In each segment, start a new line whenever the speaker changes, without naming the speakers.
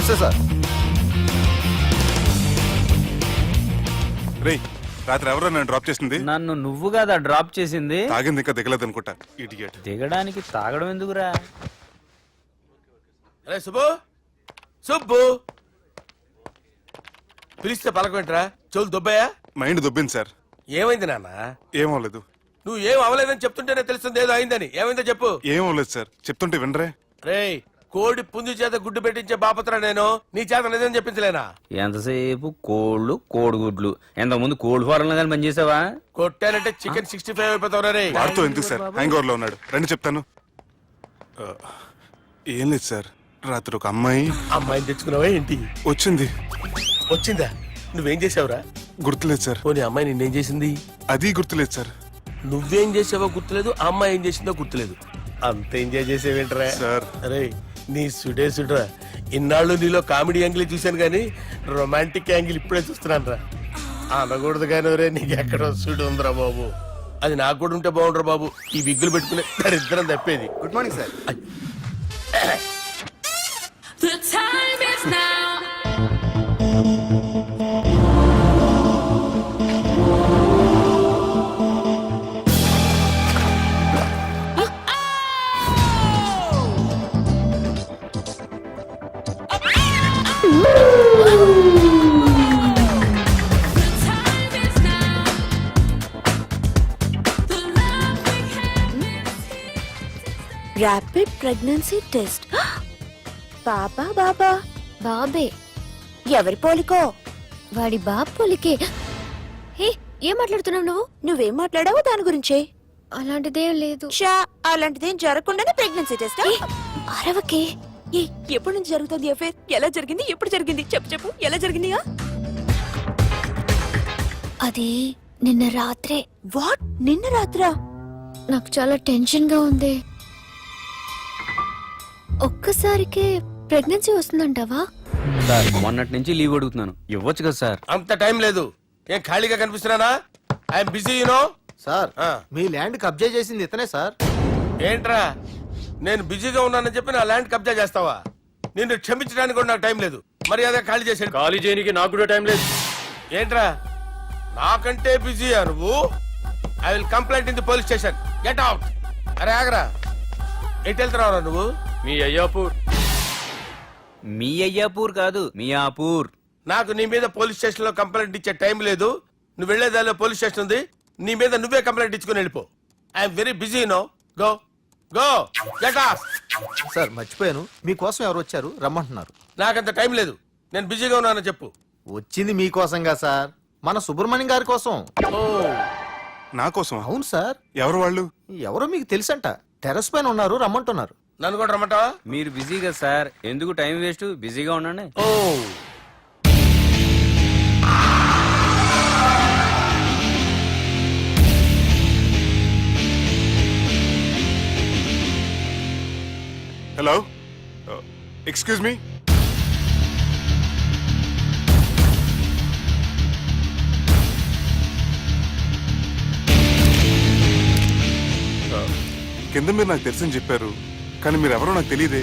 నమస్తే సార్.
రేయ్, రాత్రి ఎవరో నన్ను డ్రాప్ చేసింది?
నన్ను నువ్వు కదా డ్రాప్ చేసింది.
తాగింది ఇంకా దిగలేదు అనుకుంటా. ఇడియట్.
దిగడానికి తాగడం ఎందుకురా?
అరే సుబ్బు, సుబ్బు పిలిస్తే పలకమేంట్రా? చెవులు దుబ్బయా?
Mind దొబ్బింది sir.
ఏమైంది నాన్న?
ఏమవలేదు.
నువ్వు ఏం అవలేదని చెప్తుంటేనే తెలుస్తుంది ఏదో అయిందని. ఏమైందో చెప్పు.
ఏమవలేదు సార్, చెప్తుంటే వినరే.
రేయ్, కోడి పుంజు చేత గుడ్డు పెట్టించే బాపత్రా నేను. నీ చేత నిజం చెప్పించలేనా?
ఎంతసేపు కోళ్ళు కోడిగుడ్లు. ఎంతకుముందు కోడి ఫారంలో కానీ పనిచేసావా?
కొట్టానంటే చికెన్ 65 అయిపోతావు రే.
వాడుతూ ఎందుకు సార్? హ్యాంగ్ ఓవర్ లో ఉన్నాడు. రండి చెప్తాను. ఏం లేదు సార్, రాత్రి ఒక
అమ్మాయిని తెచ్చుకున్నావా ఏంటి?
వచ్చింది.
వచ్చిందా? నువ్వేం చేసావురా?
గుర్తులేదు సార్.
పోనీ అమ్మాయి నిన్నేం చేసింది?
అది గుర్తులేదు సార్.
నువ్వేం చేసావో గుర్తులేదు, ఆ అమ్మాయి ఏం చేసిందో గుర్తులేదు. అంత ఎంజాయ్ చేసేవేంట్రా
సార్?
అరే నీ సుడేసుడ్రా. ఇన్నాళ్ళు నీలో కామెడీ యాంగిల్ చూశాను కానీ రొమాంటిక్ యాంగిల్ ఇప్పుడే చూస్తున్నాను రా. అనకూడదు కానీ రే, నీకు ఎక్కడో సుడు ఉందిరా బాబు. అది నాకు కూడా ఉంటే బాగుండ్రా బాబు. ఈ విగ్గులు పెట్టుకునే దరిద్రం తప్పేది.
Good morning sir.
The time is now.
Rapid pregnancy test. బాబా బాబా
బాబే
ఎవరి పోలికో?
వాడి బాబు పోలికే. హే, ఏం మాట్లాడుతున్నావు నువ్వు?
నువ్వేం మాట్లాడావో దాని గురించే.
అలాంటిదేం లేదు.
షా, అలాంటిదేం జరగకుండానే ప్రెగ్నెన్సీ టెస్ట్?
అరవకే.
ఎప్పటి నుంచి జరుగుతుంది అఫేర్? ఎలా జరిగింది? ఎప్పుడు జరిగింది? చెప్పు చెప్పు, ఎలా జరిగింది?
అది నిన్న రాత్రే.
వాట్? నిన్న రాత్రా?
నాకు చాలా టెన్షన్ గా ఉంది. ఒక్కసారికే ప్రెగ్నెన్సీ వస్తుందంటావా?
సార్, మొన్నటి నుంచి లీవ్ అడుగుతున్నాను, ఇవ్వచ్చు కదా సార్?
అంత టైం లేదు. ఏం ఖాళీగా కనిపిస్తున్నానా? I'm busy you know.
సార్, మీ ల్యాండ్ కబ్జా చేసింది ఇతనే సార్.
ఏంట్రా, నేను బిజీగా ఉన్నానని చెప్పి నా ల్యాండ్ కబ్జా చేస్తావా? నిన్ను క్షమించడానికి కూడా నాకు టైం లేదు. మరి అదే ఖాళీ చేసాడు.
ఖాళీ చేయడానికి నాకు కూడా టైం లేదు.
ఏంట్రా, నాకంటే బిజీయా నువ్వు? I will complaint in the police station. Get out. అరే ఆగరా, ఎటు వెళ్తున్నావురా నువ్వు?
మీ అయ్యాపూర్.
మీ అయ్యాపూర్ కాదు, మియాపూర్.
నాకు నీ మీద పోలీస్ స్టేషన్ లో కంప్లైంట్ ఇచ్చే టైం లేదు. నువ్వు వెళ్లేదాలో పోలీస్ స్టేషన్ ఉంది. నీ మీద నువ్వే కంప్లైంట్ ఇచ్చుకుని వెళ్ళిపో. I'm very busy no. Go go get off.
Sir, మర్చిపోయాను, మీకోసం ఎవరు వచ్చారు, రమ్మంటున్నారు.
నాకంత టైం లేదు, నేను బిజీగా ఉన్నానని చెప్పు.
వచ్చింది మీకోసంగా సార్, మన సుబ్రహ్మణ్యం గారి కోసం.
ఓ,
నా కోసం?
అవును సార్.
ఎవరు వాళ్ళు?
ఎవరో మీకు తెలుసంట. టెర్రస్ పైన ఉన్నారు, రమ్మంటున్నారు.
నన్ను కూడా రమ్మంటావా?
మీరు బిజీ కదా సార్, ఎందుకు టైం వేస్ట్? బిజీగా ఉండండి.
ఓ,
హలో, ఎక్స్క్యూజ్ మీ. కింద మీరు నాకు తెలుసని చెప్పారు, కానీ మీరు ఎవరో నాకు తెలియదే.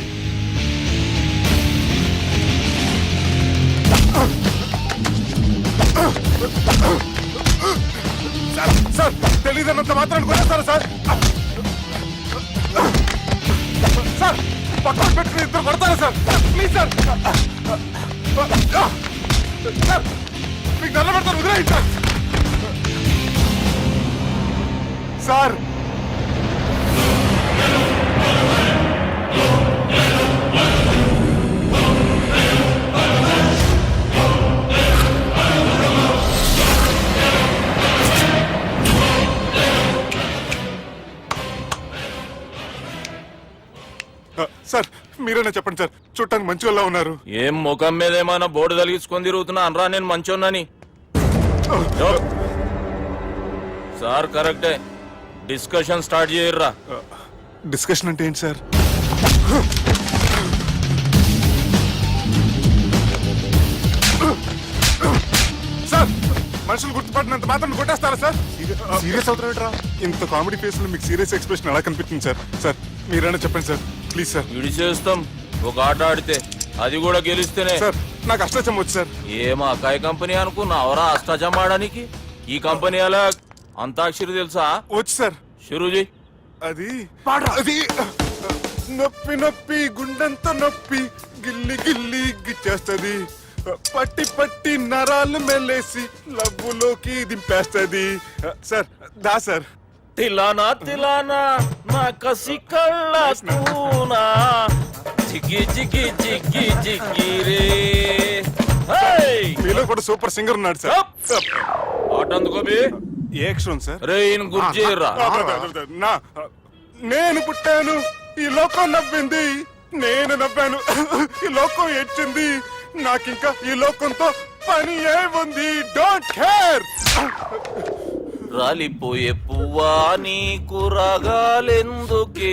సార్, తెలియదన్నంత మాత్రాన్ని కొనేస్తారా సార్? సార్, పక్కన పెట్టుకుని ఇద్దరు కొడతారా సార్? Please sir. సార్, మీకు దండం పెడతారు, వదిలేయండి సార్. సార్, సార్ మీరేనా చెప్పండి సార్, చూడటానికి మంచి వాళ్ళ ఉన్నారు.
ఏం ముఖం మీద ఏమైనా బోర్డు తలిగించుకొని తిరుగుతున్నా అనరా నేను మంచోన్నాని? సార్ కరెక్టే, డిస్కషన్ స్టార్ట్ చేయర్రా.
డిస్కషన్ అంటే ఏంటి సార్? సార్, మనుషులు గుర్తుపట్టినంత మాత్రం కొట్టేస్తారా సార్? సీరియస్ అవుతారా? ఇంత కామెడీ ఫేస్ లో మీకు సీరియస్ ఎక్స్ప్రెషన్ ఎలా కనిపిస్తుంది సార్? సార్ మీరైనా చెప్పండి సార్, ప్లీజ్ సార్.
విడి చేస్తాం, ఒక ఆట ఆడితే అది కూడా గెలిస్తేనే.
సార్ నాకు అష్టచం వచ్చు సార్.
ఏం అకాయ కంపెనీ అనుకున్నావరా అష్టాచం ఆడడానికి? ఈ కంపెనీ అలా అంతాక్షరి తెలుసా?
వచ్చు సార్.
షురూజీ.
అది అది నొప్పి నొప్పి గుండెంత నొప్పి గిల్లి గిల్లి గిచ్చేస్తది, పట్టి పట్టి నరాలు మెల్లేసి లవ్వులోకి దింపేస్తది. సార్ దా సార్.
తిలానా తిలానా నా కసి కళ్ళ కూనా జిగి జిగి జిగి జిగి రే. హేయ్!
మీలో కూడా సూపర్ సింగర్ ఉన్నాడు సార్.
పాట అందుకోబి.
ఏ అక్షరం సార్?
రే ఈయన గుర్తు చేయరా.
నా నేను పుట్టాను ఈ లోకం నవ్వింది, నేను నవ్వాను ఈ లోకం ఏడ్చింది, నాకింకా ఈ లోకంతో పని ఏముంది, డోంట్ కేర్.
రాలిపోయే పువ్వా నీకు రాగాలెందుకే,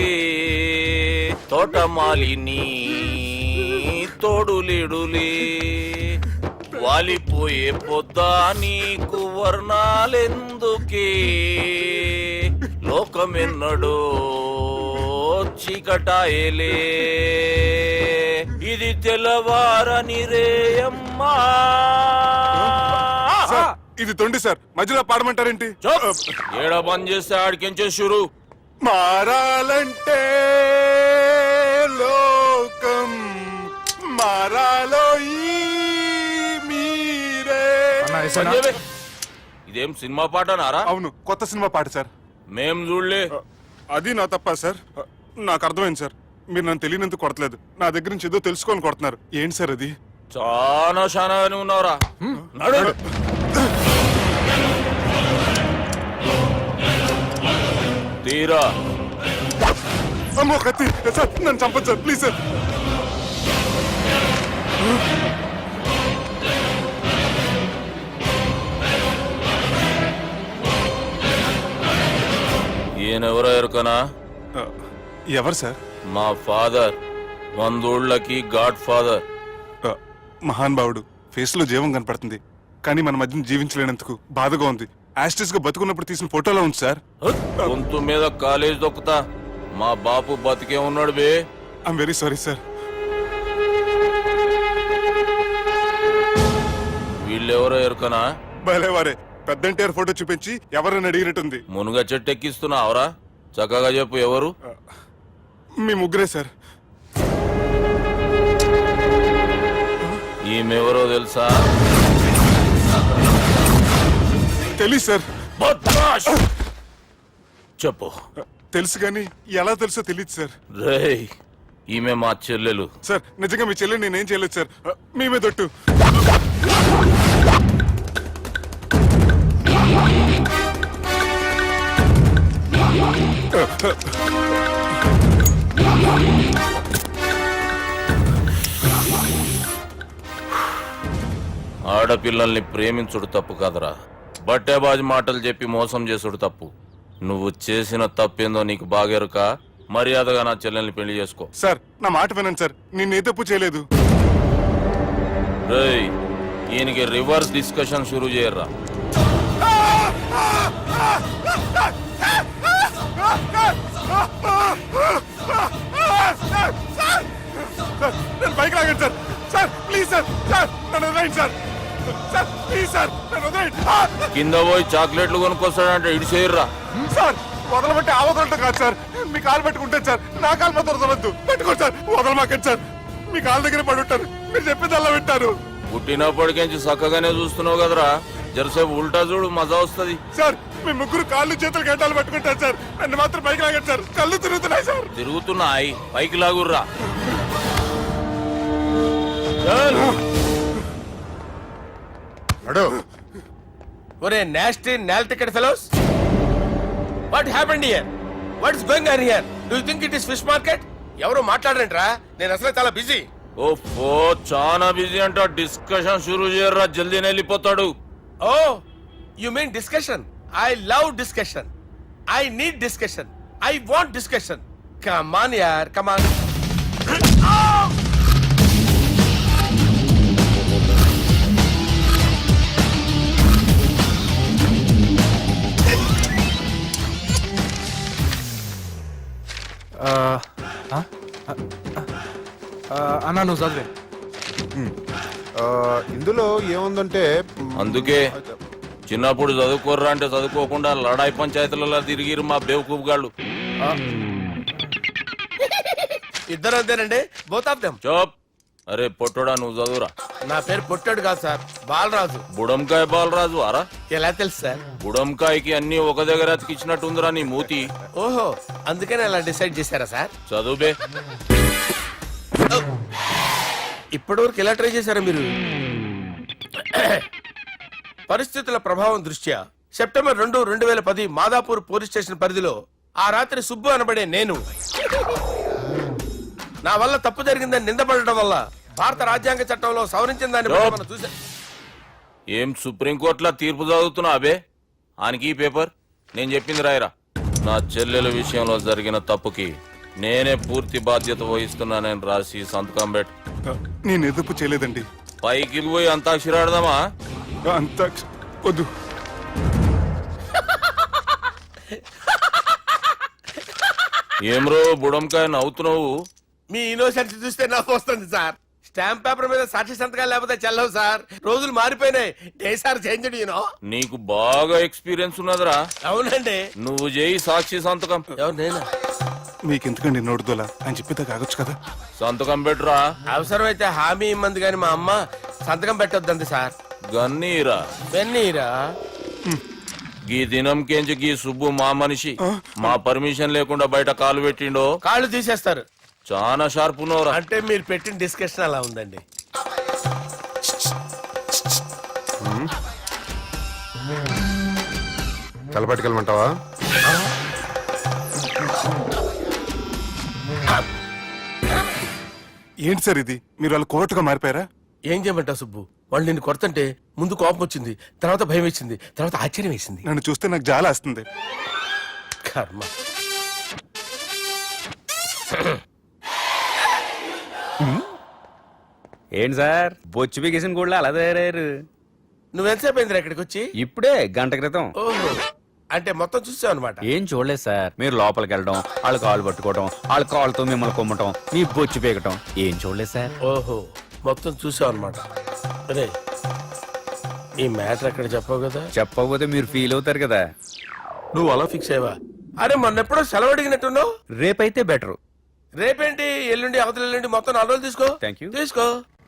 తోటమాలిని తోడులిడులే, వాలిపోయే పొద్దా నీకు వర్ణాలెందుకే, లోకమెన్నడో చీకటాయలే, ఇది తెల్లవారని రేయమ్మా.
సార్, ఇది తొండి సార్, మధ్యలో పాడమంటారేంటి?
ఏడా బంద్ చేస్తే ఆడికించే షురు.
మారాలంటే లోకం మారాలో ఈ మీరే.
సంజయ్, ఇదేం సినిమా పాట నారా?
అవును, కొత్త సినిమా పాట సార్.
మేం చూడలే.
అది నా తప్ప సార్. నాకు అర్థమైంది సార్, మీరు నన్ను తెలియనందుకు కొడతలేదు, నా దగ్గర నుంచి ఏదో తెలుసుకొని కొడుతున్నారు. ఏంటి సార్ అది?
చాలా శానాగానే ఉన్నావురా. నడు. తీరా.
అమ్మో కత్తి సార్, నన్ను చంపదు సార్, ప్లీజ్ సార్.
ఈయనెవరో ఎరుకనా?
ఎవరు సార్?
మా ఫాదర్, 100 గాడ్ ఫాదర్.
మహాన్ భావుడు, ఫేస్ లో జీవం కనపడుతుంది, కానీ మన మధ్యన జీవించలేనందుకు బాధగా ఉంది. యాస్టిస్ గా బతుకున్నప్పుడు తీసిన ఫోటోలో ఉంది సార్.
గొంతు మీద కాలేజ్ దొక్కుతా. మా బాపు బతికే ఉన్నాడు బే.
I'm very sorry sir.
వీళ్ళెవరో ఎరుకనా?
భలేవారే, పెద్ద ఎన్టీఆర్ ఫోటో చూపించి ఎవరని అడిగినట్టుంది.
మునుగ చెట్టు ఎక్కిస్తున్నావురా? చక్కగా చెప్పు ఎవరు?
మీ ముగ్గురే సార్.
ఈమెవరో తెలుసా?
తెలీదు సార్.
బద్మాష్! చెప్పు.
తెలుసు కానీ ఎలా తెలుసో తెలియదు సార్.
రేయ్, ఈమె మా చెల్లెలు.
సార్ నిజంగా మీ చెల్లి నేనేం చేయలేదు సార్, మీ మీద ఒట్టు.
ఆడపిల్లల్ని ప్రేమించుడు తప్పు కాదురా, బట్టేబాజు మాటలు చెప్పి మోసం చేసుడు తప్పు. నువ్వు చేసిన తప్పేందో నీకు బాగెరుక. మర్యాదగా నా చెల్లెల్ని పెళ్లి చేసుకో.
సార్ నా మాట వినండి సార్, నేను ఏ తప్పు చేయలేదు.
రేయ్, ఈయనకి రివర్స్ డిస్కషన్ షురూ చేయర్రా.
సార్ నన్ను బైక్ లాగండి sir. Sir please sir, sir నన్ను వదిలేయండి సార్. సార్ ప్లీజ్ సార్ నన్ను వదిలేయండి.
కింద పోయి చాక్లెట్లు కొనుక్కొస్తాడంటే ఇటు చేయర్రా.
సార్ వదలబట్టి ఆ వదలటం కాదు సార్, మీ కాలు పెట్టుకుంటాను సార్, నా కాలు మాత్రం వదలొద్దు. పెట్టుకోండి సార్, వదలమాకండి సార్, మీ కాలు దగ్గర పడి ఉంటారు, మీరు చెప్పేది అలా వింటారు.
పుట్టినప్పటికేంచి చక్కగానే చూస్తున్నావు కదరా, జరసేపు ఉల్టా చూడు, మజా వస్తుంది.
సార్ మీ ముగ్గురు కాళ్ళు చేతులు గంటలు పట్టుకుంటారు సార్, నన్ను మాత్రం బైక్ లాగండి సార్, కళ్ళు తిరుగుతున్నాయి సార్.
తిరుగుతున్నాయి, పైకి లాగుర్రా.
ఒరే nasty null ticket fellows, what happened here? What is going on here? Do you think it is fish market? ఎవరు మాట్లాడరంట్రా, నేను అసలే చాలా బిజీ.
ఓ చాలా బిజీ అంట. డిస్కషన్ షురూ చేయర్రా, జల్దీనే వెళ్ళిపోతాడు.
Oh you mean discussion? I love discussion, I need discussion, I want discussion. Come on యార్, కమ్ ఆన్.
అన్నా నువ్వు చదివే.
ఇందులో ఏముందంటే
అందుకే చిన్నప్పుడు చదువుకోర్రా అంటే చదువుకోకుండా లడాయి పంచాయతీలలో తిరిగిరు మా బేవకూపు గాళ్ళు.
ఇద్దరు అంతేనండి, బోత్ ఆఫ్ దెమ్.
చోప్. అరే పొట్టోడా నువ్వు చదువురా.
నా పేరు పొట్టాడు కాదు సార్, బాలరాజు.
బుడంకాయ బాలరాజు అరా.
ఎలా తెలుసు సార్?
బుడంకాయకి అన్ని ఒక దగ్గర అతికిచ్చినట్టుందిరా నీ మూతి.
ఓహో, అందుకని అలా డిసైడ్ చేశారా సార్?
చదువుబే.
ఇప్పటివరకు ఎలా ట్రై చేశారా మీరు? పరిస్థితుల ప్రభావం దృష్ట్యా సెప్టెంబర్ 2, 2010 మాదాపూర్ పోలీస్ స్టేషన్ పరిధిలో ఆ రాత్రి సుబ్బు అనబడే నేను నా వల్ల తప్పు జరిగిందని నిందపడటం వల్ల భారత రాజ్యాంగ చట్టంలో సవరించిన దాన్ని బట్టి మనం చూసా.
ఏం సుప్రీంకోర్టులో తీర్పు చదువుతున్నా అబే? ఆనికి ఈ పేపర్ నేను చెప్పింది రాయరా. నా చెల్లెల విషయంలో జరిగిన తప్పుకి నేనే పూర్తి బాధ్యత వహిస్తున్నానని రాసి సంతకం పెట్టు.
నేను ఎదుపు చేయలేదండి.
పైకి పోయి అంతాక్షరి ఆడదామా?
అంత వద్దు.
ఏమ్రో బుడంకాయ నవ్వుతున్నావు?
మీ ఇన్నోసెన్స్ చూస్తే నాకు వస్తుంది సార్. స్టాంప్ పేపర్ మీద సాక్షి సంతకాలు లేకపోతే చెల్లవు సార్. రోజులు మారిపోయినాయి. Day sir change you know.
నీకు బాగా ఎక్స్పీరియన్స్ ఉన్నదిరా.
అవునండి.
నువ్వు చేయి సాక్షి సంతకం.
ఎవరు నేనా?
మీకెందుకండి నోడుదోలా అని చెప్పితే కాగొచ్చు కదా.
సంతకం పెట్టురా.
అవసరమైతే హామీ ఇమ్మంది కానీ మా అమ్మ సంతకం పెట్టొద్దండి సార్.
గన్నీరా.
వెన్నీరా?
గీ దినంకేంచి గీ సుబ్బు మా మనిషి. మా పర్మిషన్ లేకుండా బయట కాలు పెట్టిండో
కాళ్ళు తీసేస్తారు.
చాలా షార్ప్ ఉన్నవరా.
అంటే మీరు పెట్టిన డిస్కషన్ అలా ఉందండి.
తలపట్టుకెళ్ళమంటావా? ఏంటి సార్ ఇది? మీరు వాళ్ళు కోర్టుగా మారిపోయారా?
ఏం చేయమంటావు సుబ్బు? వాళ్ళు నిన్ను కొడుతుంటే ముందు కోపం వచ్చింది, తర్వాత భయం వేసింది, తర్వాత ఆశ్చర్యం వేసింది.
నన్ను చూస్తే నాకు జాల వస్తుంది.
కర్మ.
ఏంటి సార్ బొచ్చు బిగేసిన కూడా అలా తయారయ్యారు?
నువ్వెంతసేపు అయిందిరా ఇక్కడికి వచ్చి?
ఇప్పుడే గంట క్రితం.
ఓహో, అంటే మొత్తం చూసావు అనమాట.
ఏం చూడలేదు సార్. మీరు లోపలికి వెళ్ళడం, వాళ్ళ కాళ్ళు పట్టుకోవడం, వాళ్ళ కాళ్ళతో మిమ్మల్ని కొమ్మటం, మీ బొచ్చు పీకటం ఏం చూడలేదు సార్.
ఓహో, మొత్తం చూసావు అనమాట. అరే, ఈ మ్యాటర్ అక్కడ చెప్పావు కదా.
చెప్పకపోతే మీరు ఫీల్ అవుతారు కదా.
నువ్వు అలా ఫిక్స్ అయ్యవా? అరే మొన్నెప్పుడో సెలవు అడిగినట్టున్నావు.
రేపైతే బెటర్.
రేపేంటి? ఎల్లుండి, అవతల ఎల్లుండి, మొత్తం 4 రోజులు తీసుకో.
Thank you.
తీసుకో.